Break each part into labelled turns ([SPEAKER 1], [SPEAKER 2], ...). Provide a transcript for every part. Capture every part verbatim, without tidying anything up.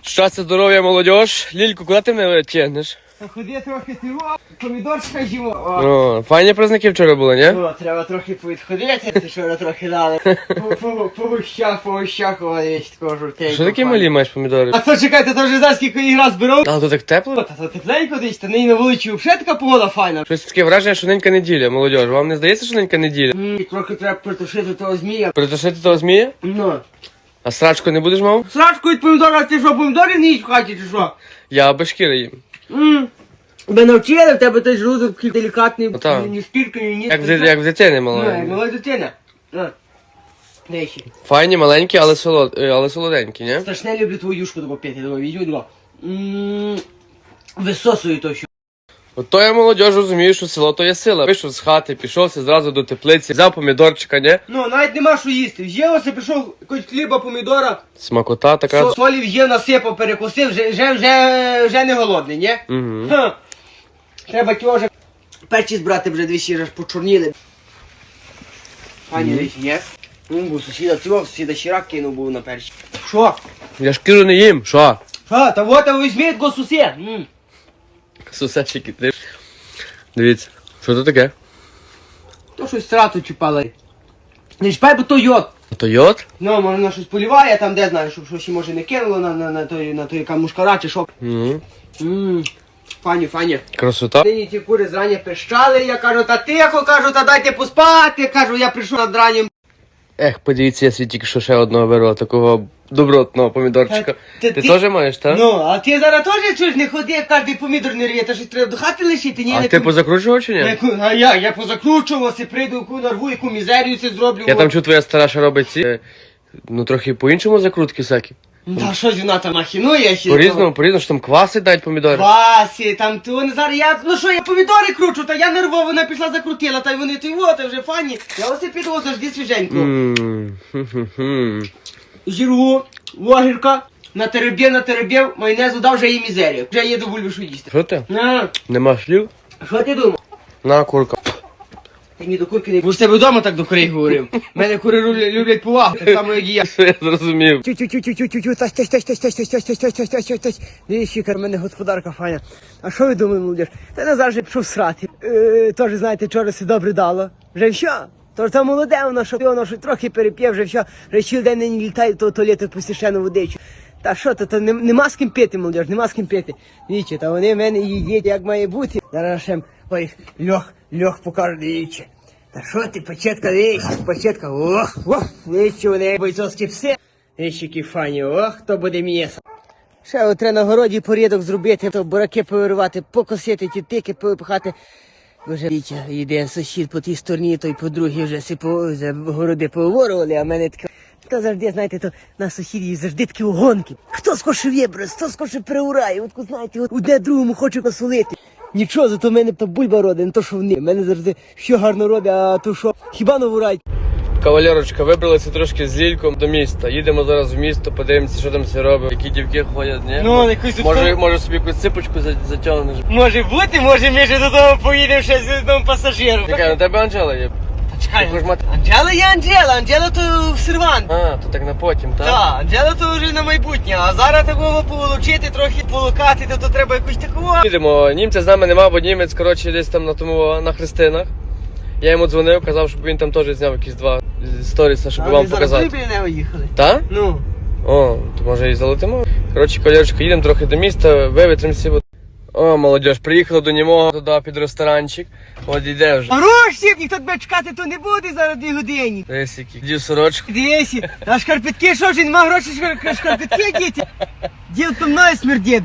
[SPEAKER 1] Щастя, здоров'я, молодіж. Лільку, куди ти мене тягнеш?
[SPEAKER 2] Ходи трохи ти о, помідорчика жімо.
[SPEAKER 1] О, файні праздники вчора були, ні?
[SPEAKER 2] О, треба трохи повідходити, ти що трохи дали. По- по- По гущах, по гущах, о, є такого жовтенького.
[SPEAKER 1] Що такі малі маєш помідори?
[SPEAKER 2] А то чекайте, то вже знаєш, скільки їх раз беру.
[SPEAKER 1] А, то так тепло?
[SPEAKER 2] Та то тепленько десь, та нині на вулиці взагалі така погода файна.
[SPEAKER 1] Щось таке враження, що ненька неділя, молодіж. Вам не здається, що ненька неділя?
[SPEAKER 2] М, Трохи треба притушити того змія.
[SPEAKER 1] Притушити того змія?
[SPEAKER 2] Ну.
[SPEAKER 1] А срачку не будеш мав?
[SPEAKER 2] Срачку від помідора, ти що, помідори не їсть в хаті чи що?
[SPEAKER 1] Я без шкіри їм.
[SPEAKER 2] М. Тебе навчили, в тебе той желудок такий делікатний,
[SPEAKER 1] Ну, так.
[SPEAKER 2] ні спіркою, ні ні.
[SPEAKER 1] Як в, ди- як в дитини
[SPEAKER 2] Ну, як
[SPEAKER 1] маленькій.
[SPEAKER 2] мала дитина. На. Де ще?
[SPEAKER 1] Файні, маленькі, але, солод... е, але солоденькі, ні?
[SPEAKER 2] Страшне люблю твою юшку таку пити, думаю, візьму два. М, Висосую то що.
[SPEAKER 1] От то я молодіж розумію, що село то є сила. Вийшов з хати, пішовся зразу до теплиці, взяв помідорчика, ні?
[SPEAKER 2] Ну, навіть нема що їсти. В'ївся, пішов якось хліба, помідора,
[SPEAKER 1] Смакота така.
[SPEAKER 2] со- солі в'їв, насипав, перекусив, вже, вже, вже, вже не голодний, ні?
[SPEAKER 1] Угу.
[SPEAKER 2] Ха. Треба ті вже перчі збрати, вже двічі аж почорніли. Пані речі, ні? Ну, бо сусіда цього, сусіда щирак кинув був на перчі. Що?
[SPEAKER 1] Я шкіру не їм, що?
[SPEAKER 2] Що? Та вот, а візьміть го сусід. М.
[SPEAKER 1] Сусечики, ти. Дивіться, що це таке?
[SPEAKER 2] То щось страту чіпали. Не чіпай, бо то йод.
[SPEAKER 1] То йод?
[SPEAKER 2] Ну, може вона щось поліває, там де знаю, щоб щось може не кинуло на, на, на той, на той яка мушкара чи що.
[SPEAKER 1] Угу.
[SPEAKER 2] Ммм, фані, фані.
[SPEAKER 1] Красота.
[SPEAKER 2] Нині ті кури зрання пищали, я кажу, та тихо, кажу, та дайте поспати, кажу, я прийшов над ранням.
[SPEAKER 1] Ех, подивіться, я свій тільки що ще одного беру, такого добротного помідорчика.
[SPEAKER 2] Та-
[SPEAKER 1] Ти,
[SPEAKER 2] та ти-
[SPEAKER 1] теж маєш, так?
[SPEAKER 2] Ну, а ти зараз теж чуєш, не ходи, як кожний помідор не рвє, та щось треба до хати лишити, ні?
[SPEAKER 1] А
[SPEAKER 2] не
[SPEAKER 1] ти
[SPEAKER 2] ку-
[SPEAKER 1] позакручував чи ні?
[SPEAKER 2] не ку- А я, я позакручувався, прийду, яку нарву, яку мізерію це зроблю.
[SPEAKER 1] Я
[SPEAKER 2] о.
[SPEAKER 1] там чую, твоя стара ще робить ці, е, ну трохи по-іншому закрутки всякі.
[SPEAKER 2] Та щось вона там махінує ще.
[SPEAKER 1] По-різному, по-різному, що там кваси дають помідори.
[SPEAKER 2] Васі, там то вони зараз, я, ну що, я помідори кручу, та я нервово, вона пішла закрутила, та й вони, ти вот, вже фані. Я ось піду завжди свіженько.
[SPEAKER 1] Ммм, хм-хм-хм.
[SPEAKER 2] Жіргу, вогірка, натеребів, натеребів, майонезу дав, вже їй мізерію. Вже їду бульбашу їсти.
[SPEAKER 1] Що ти?
[SPEAKER 2] На,
[SPEAKER 1] Нема слів?
[SPEAKER 2] що ти думав?
[SPEAKER 1] На, курка.
[SPEAKER 2] Ти мені до курки не... Бо ж тебе вдома так до курей говорив. Мене кури люблять, люблять повагу, так само, як і я.
[SPEAKER 1] Все, я зрозумів.
[SPEAKER 2] Тю-тю-тю-тю-тю-тю, тась, тась, тась, тась, тась, тась, тась, тась, тась, тась, тась, тась, тась. Дивіться, яка в мене господарка файна. А що ви думаєте, молодіж? Та Назар вже пішов срати. Е, Тож, знаєте, вчора все добре дало. Вже все. Тож там молоде воно, що воно що трохи переп'є, вже все. Вже цілий день не літає до туалету по священну водичу. Та що то, то нем- нема з ким пити, молодіж, нема з ким пити. Дивіться, та вони в мене їдять, як має бути. Зараз ще, ой, льох, льох покажу, дивіться. Та що ти, пачетка, дивіться, пачетка, ох, ох, дивіться, вони бойцовські пси. Дивіться, які фані, ох, хто буде м'ясо. Ще от треба на городі порядок зробити, то бураки повирувати, покосити, ті тики повипихати. Вже Вітя, йде сусід по тій стороні, той по другій вже си по за городи поворували, а в мене таке. То завжди, знаєте, то на сусідів завжди такі угонки. Хто скорше вибере, хто скорше приурає, от знаєте, от одне другому хоче посолити. Нічого, зато в мене то бульба родить, не то що вони. В мене завжди що гарно родить, а то що хіба новурать.
[SPEAKER 1] Кавалерочка, вибралися трошки з Лільком до міста. Їдемо зараз в місто, подивимося, що там все робить. Які дівки ходять, ні?
[SPEAKER 2] Ну, якусь тут-
[SPEAKER 1] Може, може собі якусь ципочку за- затягнеш.
[SPEAKER 2] Може бути, може ми вже додому поїдемо ще з одним пасажиром.
[SPEAKER 1] Чекай, на тебе Анжела є.
[SPEAKER 2] Чекай,
[SPEAKER 1] Ти хочеш мати-
[SPEAKER 2] Анджела є Анджела, Анджела то сервант.
[SPEAKER 1] А, то так на потім, так?
[SPEAKER 2] Так, Анджела то вже на майбутнє, а зараз такого поволочити, трохи полукати, то, то треба якусь такого.
[SPEAKER 1] Їдемо, німця з нами нема, бо німець, коротше, десь там на тому, на Христинах. Я йому дзвонив, казав, щоб він там теж зняв якісь два сторіса, щоб вам показати.
[SPEAKER 2] біля нього їхали.
[SPEAKER 1] Та?
[SPEAKER 2] Ну.
[SPEAKER 1] О, то може і залетимо. Коротше, колірочка, їдемо трохи до міста, вивітримося. О, молодіж, приїхали до нього туди під ресторанчик. От іде вже.
[SPEAKER 2] Гроші, ніхто тебе чекати то не буде зараз дві години.
[SPEAKER 1] Десь який. Дів сорочку.
[SPEAKER 2] Дивися, а шкарпетки, що вже нема грошей, шкар- шкарпетки діти. Діл то мною смердить.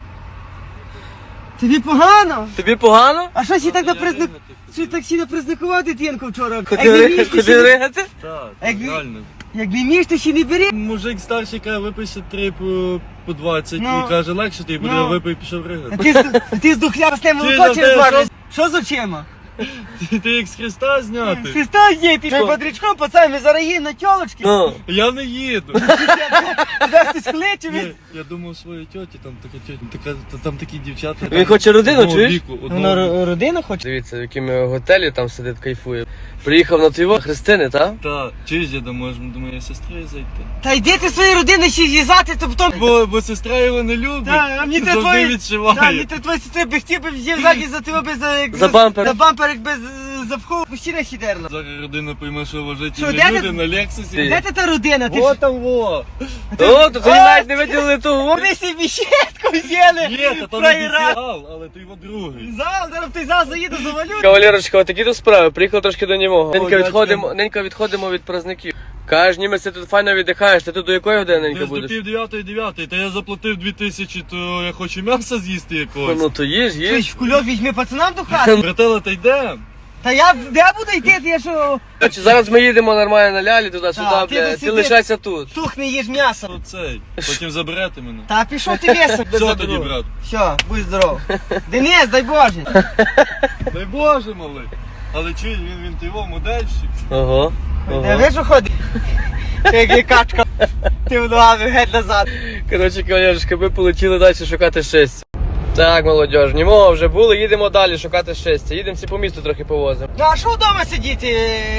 [SPEAKER 2] Тобі погано?
[SPEAKER 1] Тобі погано?
[SPEAKER 2] А що сі так на призnak... Що так сі напризнакував дитинку вчора?
[SPEAKER 1] Куди
[SPEAKER 2] Якби
[SPEAKER 1] ри-
[SPEAKER 2] між, то
[SPEAKER 1] Куди
[SPEAKER 2] ще не-
[SPEAKER 1] ригати?
[SPEAKER 3] Так,
[SPEAKER 2] Якби-
[SPEAKER 3] реально.
[SPEAKER 2] Якби між, то ще не бери.
[SPEAKER 3] Мужик старший каже, випише три по, по двадцять
[SPEAKER 2] Ну.
[SPEAKER 3] і каже, легше тобі буде,
[SPEAKER 2] Ну.
[SPEAKER 3] випий, пішов
[SPEAKER 2] А
[SPEAKER 3] ригати.
[SPEAKER 2] ти, з- а ти з духлявостей
[SPEAKER 3] Ти
[SPEAKER 2] молоко
[SPEAKER 3] на
[SPEAKER 2] через
[SPEAKER 3] те,
[SPEAKER 2] звариш? Що з очима?
[SPEAKER 3] Ти, ти як з Христа зняти?
[SPEAKER 2] Христа є, ти
[SPEAKER 1] Що?
[SPEAKER 2] що бодрячком, пацан, ми зараз їдемо на тьолочки.
[SPEAKER 1] Ну.
[SPEAKER 3] Я не їду.
[SPEAKER 2] Куди хтось кличе,
[SPEAKER 3] Ні,
[SPEAKER 2] ми...
[SPEAKER 3] Я думав своїй тьоті, там така тьотя, така, та- там такі дівчата.
[SPEAKER 1] Він хоче родину,
[SPEAKER 3] одного
[SPEAKER 1] чуєш?
[SPEAKER 3] віку, одного
[SPEAKER 2] Вона
[SPEAKER 3] віку.
[SPEAKER 2] ро- родину хоче?
[SPEAKER 1] Дивіться, в якому готелі там сидить, кайфує. Приїхав на твого Христини, так?
[SPEAKER 3] Та, чуєш, я думаю, може до моєї сестри зайти.
[SPEAKER 2] Та йди ти своєї родини ще зв'язати, то потім...
[SPEAKER 3] Бо, бо сестра його не любить.
[SPEAKER 2] Та, а мені треба
[SPEAKER 3] завжди
[SPEAKER 2] твої... Та,
[SPEAKER 3] відшиває.
[SPEAKER 2] мені треба твої сестри би хотів би взяв ззаді за тебе без... як
[SPEAKER 1] За бампер.
[SPEAKER 2] За бампер, як без запхов, постійно хідерла.
[SPEAKER 3] Зараз родина пойме, що
[SPEAKER 2] Що,
[SPEAKER 3] вважательні
[SPEAKER 2] де
[SPEAKER 3] люди
[SPEAKER 2] ти-
[SPEAKER 3] на Лексусі.
[SPEAKER 2] Де ти та родина? Ти
[SPEAKER 3] Во
[SPEAKER 2] ж...
[SPEAKER 3] там во!
[SPEAKER 1] О, то тобі навіть не виділили того.
[SPEAKER 2] Ви собі щетку взяли!
[SPEAKER 3] Є, та там
[SPEAKER 2] Фраєра.
[SPEAKER 3] обіцяв, але ти його другий.
[SPEAKER 2] Зал, зараз в той зал заїду, завалю.
[SPEAKER 1] Кавалерочка, отакі то справи. Приїхав трошки до нього. Ненька
[SPEAKER 3] дядько.
[SPEAKER 1] відходимо, ненька відходимо від праздників. Кажеш, ніби ти тут файно віддихаєш, ти тут до якої години ненька
[SPEAKER 3] Десь до
[SPEAKER 1] будеш?
[SPEAKER 3] пів дев'ятої дев'ятої, та я заплатив дві тисячі, то я хочу м'яса з'їсти якогось.
[SPEAKER 1] Ну то їж,
[SPEAKER 2] Ти
[SPEAKER 1] їж.
[SPEAKER 2] ж в кульок візьми пацанам до хати.
[SPEAKER 3] Братела, та йдемо.
[SPEAKER 2] Та я де буду йти, я що...
[SPEAKER 1] Короче, зараз ми їдемо нормально на лялі туди-сюди,
[SPEAKER 2] Так, ти
[SPEAKER 1] бля.
[SPEAKER 2] тут
[SPEAKER 1] Ти
[SPEAKER 2] сиди.
[SPEAKER 1] лишайся тут.
[SPEAKER 2] Тухне їж м'ясо.
[SPEAKER 3] Ну цей, потім заберете мене.
[SPEAKER 2] Та пішов ти веса.
[SPEAKER 3] Все тоді, брат.
[SPEAKER 2] Все, будь здоров. Денис, дай Боже.
[SPEAKER 3] Дай Боже, малий. Але чуй, він, він ти його модельщик.
[SPEAKER 1] Ого.
[SPEAKER 2] Де
[SPEAKER 1] ого.
[SPEAKER 2] ви що ходить? Як є качка. Ти в ногами геть назад.
[SPEAKER 1] Коротше, кавалерочка, ми полетіли далі шукати щастя. Так, молодіж, німого вже були, їдемо далі шукати щастя. Їдемо всі по місту трохи повозимо.
[SPEAKER 2] Ну а що вдома сидіти?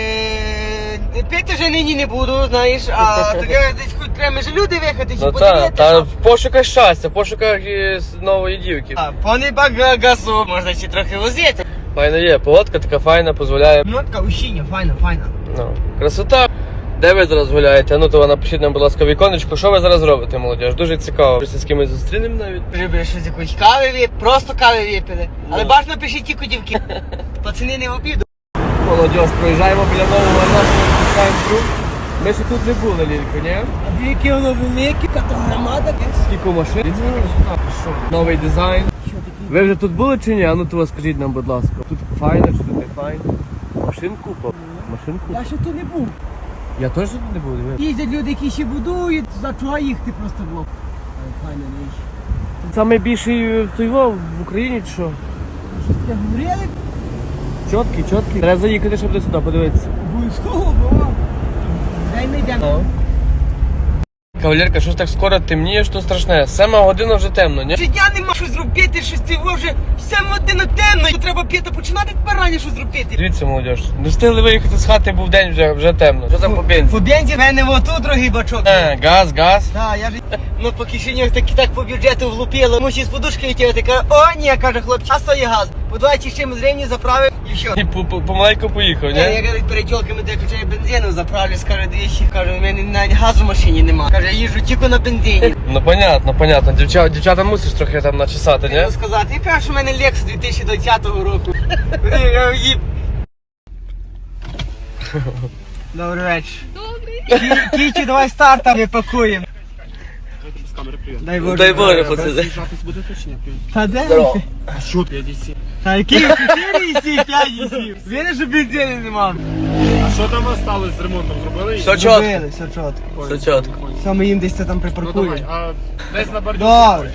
[SPEAKER 2] Е, Пити вже нині не буду, знаєш, а таке десь хоч треба ж люди виїхати, чи
[SPEAKER 1] Ну так,
[SPEAKER 2] подивитися.
[SPEAKER 1] та в пошуках щастя, в пошуках е, с- нової дівки.
[SPEAKER 2] А, Пане багасу, можна ще трохи возити.
[SPEAKER 1] Файно є, погодка така файна, дозволяє.
[SPEAKER 2] Ну така ущіння, файна, файна.
[SPEAKER 1] Ну, красота. Де ви зараз гуляєте? Ну то напишіть нам, будь ласка, віконечко, що ви зараз робите, молодіж? Дуже цікаво. Щось з кимось зустрінемо навіть.
[SPEAKER 2] Прибери щось якоїсь кави випити, просто кави випили. Але бажано пишіть тільки дівки. Пацани не в обіду.
[SPEAKER 1] Молодіж, проїжджаємо біля нового нашого центру. Ми ще тут не були, Лілько, ні?
[SPEAKER 2] А яке воно велике, яка громада.
[SPEAKER 1] Скільки машин? Новий дизайн. Ви вже тут були чи ні? А ну то скажіть нам, будь ласка. Тут файно чи тут не файно? Машин купа. Машин купа.
[SPEAKER 2] Я ще тут не був.
[SPEAKER 1] Я теж тут не був, диви.
[SPEAKER 2] Їздять люди, які ще будують, за чого їхати просто було. Файна річ.
[SPEAKER 1] Саме більший в Туйво в Україні чи що?
[SPEAKER 2] Щось таке говорили?
[SPEAKER 1] Чоткий, чоткий. Треба заїхати, щоб до сюди подивитися.
[SPEAKER 2] Обов'язково, бо. Дай ми йдемо.
[SPEAKER 1] Кавалерка, що ж так скоро темніє, що страшне. Сема година вже темно, ні?
[SPEAKER 2] Життя нема що зробити, щось ти вже саме годину темно. Треба п'яти починати тепер раніше що зробити.
[SPEAKER 1] Дивіться, молодіж. Не встигли виїхати з хати, був день вже, вже темно. Що там по бензі?
[SPEAKER 2] По бензі в мене отут, другий бачок.
[SPEAKER 1] Е, газ, газ.
[SPEAKER 2] Так, я ж ну по кишенях так, так по бюджету влупило. Мусі з подушки витягати. Каже, о, ні, каже хлопчик, а стоїть газ. По двадцять чимось гривні заправив і все.
[SPEAKER 1] І по- по- помаленьку поїхав,
[SPEAKER 2] Ні, я
[SPEAKER 1] ні?
[SPEAKER 2] кажу, перед тілками де качаю бензину, заправлю, скаже двічі. Каже, у мене навіть газу в машині нема. Каже, я їжджу тільки на бензині.
[SPEAKER 1] Ну понятно, понятно. Дівчата, дівчата мусиш трохи там начесати, ні?
[SPEAKER 2] Хотів сказати, і каже, що в мене Lexus дві тисячі двадцятого року. Я кажу, «Їб». Добрий вечір. Добрий. Кічі, давай старта, ми пакуємо. Дай Боже.
[SPEAKER 1] Дай Боже, пацани.
[SPEAKER 2] Та де?
[SPEAKER 1] Здорово.
[SPEAKER 3] Що п'ятдесят сім?
[SPEAKER 2] Та які чотири і сім, п'ять і сім. Видиш, що бензину нема.
[SPEAKER 3] А що там осталось з ремонтом? Зробили?
[SPEAKER 1] Все чітко.
[SPEAKER 2] Зробили, все чітко.
[SPEAKER 1] Все чітко.
[SPEAKER 2] Все, ми їм десь це там припаркуємо.
[SPEAKER 3] а десь на бордюрі.
[SPEAKER 2] Добре.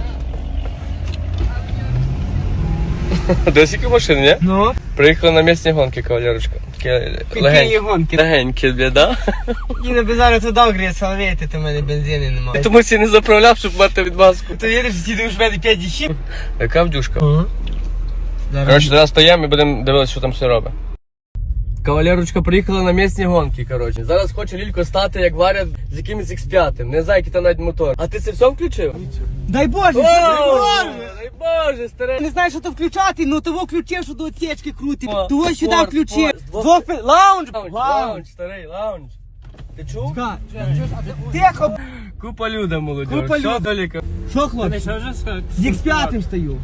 [SPEAKER 1] До скільки машин, ні?
[SPEAKER 2] Ну?
[SPEAKER 1] Приїхали на місні гонки, кавалерочка. Такі
[SPEAKER 2] Які
[SPEAKER 1] легенькі.
[SPEAKER 2] гонки.
[SPEAKER 1] Легенькі, бля, да?
[SPEAKER 2] І на базарі туди гріє салвети, то в мене бензину немає.
[SPEAKER 1] Тому ці не заправляв, щоб мати відмазку.
[SPEAKER 2] То їдеш, сіди в мене п'ять і сім.
[SPEAKER 1] Яка вдюшка? Коротше, зараз стоїмо і будемо дивитися, що там все робить. Кавалерочка приїхала на місні гонки, коротше. Зараз хоче Лілько стати, як варять з якимось ікс п'ять. Не знаю, який там навіть мотор. А ти це все включив?
[SPEAKER 2] Дай Боже,
[SPEAKER 1] О,
[SPEAKER 2] дай Боже.
[SPEAKER 1] дай Боже, старе.
[SPEAKER 2] Не знаєш, що то включати, ну того включив, що до отсечки крутить.
[SPEAKER 1] О,
[SPEAKER 2] Того сюди
[SPEAKER 1] спорт,
[SPEAKER 2] включив.
[SPEAKER 1] спорт. З двох-
[SPEAKER 2] Двох пи- Лаунж!
[SPEAKER 1] Лаунж,
[SPEAKER 2] Лаунж!
[SPEAKER 1] лаунж, старий, лаунж. Ти чув?
[SPEAKER 2] Ка- Тихо!
[SPEAKER 1] Купа люда, молодь.
[SPEAKER 2] Купа
[SPEAKER 1] Що,
[SPEAKER 2] люда.
[SPEAKER 1] Доліка?
[SPEAKER 2] Що, хлопці? З ікс п'ять стою.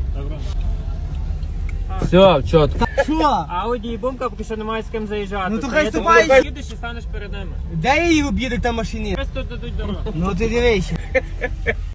[SPEAKER 1] Все, чітко.
[SPEAKER 2] Що?
[SPEAKER 4] Ауді і бумка поки що немає з ким заїжджати.
[SPEAKER 2] Ну, то
[SPEAKER 4] Це
[SPEAKER 2] хай
[SPEAKER 4] я
[SPEAKER 2] ступай.
[SPEAKER 4] думаю, їдеш і станеш перед ними.
[SPEAKER 2] Де я її об'їду там машині?
[SPEAKER 4] Ось тут дадуть дорогу.
[SPEAKER 2] Ну ти дивись.